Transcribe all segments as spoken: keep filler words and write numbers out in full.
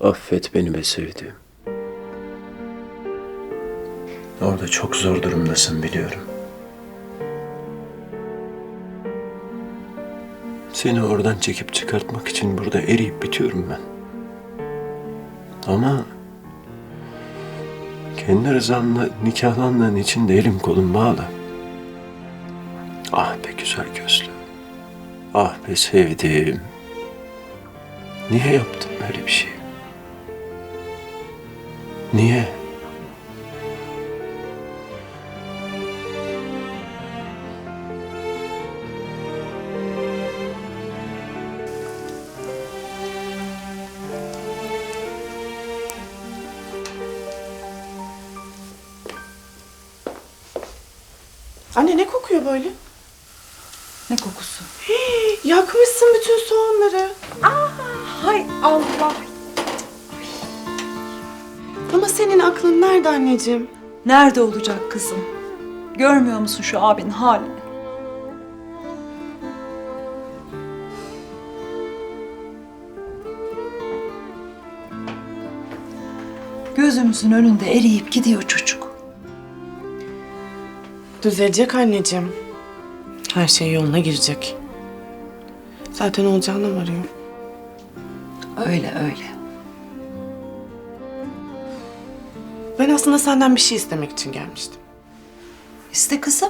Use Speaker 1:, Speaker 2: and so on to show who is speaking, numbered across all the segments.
Speaker 1: Affet beni be sevdiğim. Orada çok zor durumdasın biliyorum. Seni oradan çekip çıkartmak için burada eriyip bitiyorum ben. Ama kendi rızamla nikahlandığın için de elim kolum bağlı. Ah be güzel gözlü. Ah be sevdiğim. Niye yaptın böyle bir şey? Niye?
Speaker 2: Anne ne kokuyor böyle?
Speaker 3: Ne kokusu?
Speaker 2: Hii, yakmışsın bütün soğanları.
Speaker 3: Aa, hay Allah.
Speaker 2: Ama senin aklın nerede anneciğim?
Speaker 3: Nerede olacak kızım? Görmüyor musun şu abinin halini? Gözümüzün önünde eriyip gidiyor çocuk.
Speaker 2: Düzelecek anneciğim. Her şey yoluna girecek. Zaten olacağına varıyor.
Speaker 3: Öyle öyle.
Speaker 2: Ben aslında senden bir şey istemek için gelmiştim.
Speaker 3: İste kızım.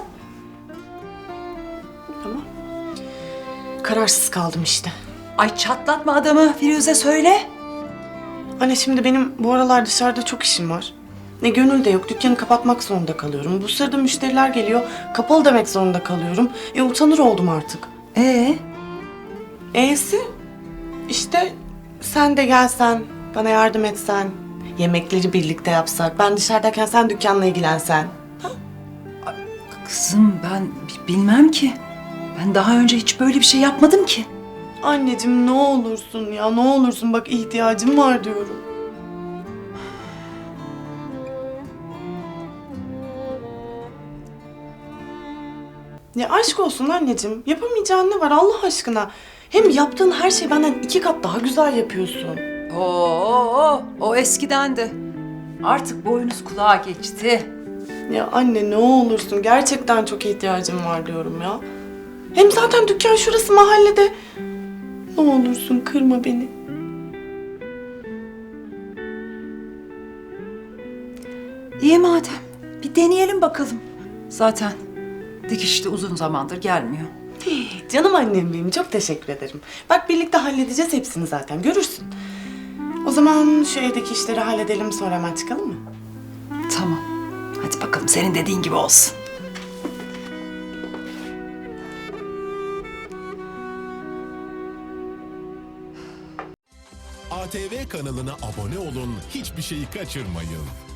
Speaker 2: Ama kararsız kaldım işte.
Speaker 3: Ay çatlatma adamı Firuze söyle.
Speaker 2: Anne şimdi benim bu aralar dışarıda çok işim var. Ne gönül de yok. Dükkanı kapatmak zorunda kalıyorum. Bu sırada müşteriler geliyor. Kapalı demek zorunda kalıyorum. E utanır oldum artık.
Speaker 3: Ee,
Speaker 2: E'si işte sen de gelsen, bana yardım etsen, yemekleri birlikte yapsak, ben dışarıdayken sen dükkanla ilgilensen.
Speaker 3: kızım ben bi- bilmem ki. Ben daha önce hiç böyle bir şey yapmadım ki.
Speaker 2: Anneciğim ne olursun ya, ne olursun bak ihtiyacım var diyorum. Ya aşk olsun anneciğim, yapamayacağın ne var Allah aşkına? Hem yaptığın her şeyi benden iki kat daha güzel yapıyorsun.
Speaker 3: Oo, o eskidendi. Artık boynuz kulağa geçti.
Speaker 2: Ya anne ne olursun, gerçekten çok ihtiyacım var diyorum ya. Hem zaten dükkan şurası mahallede. Ne olursun kırma beni.
Speaker 3: İyi madem. Bir deneyelim bakalım. Zaten dikiş de uzun zamandır gelmiyor.
Speaker 2: Canım annem benim, çok teşekkür ederim. Bak birlikte halledeceğiz hepsini zaten, görürsün. O zaman şu evdeki işleri halledelim, sonra hemen çıkalım mı?
Speaker 3: Tamam. Hadi bakalım senin dediğin gibi olsun.
Speaker 4: A T V kanalına abone olun, hiçbir şeyi kaçırmayın.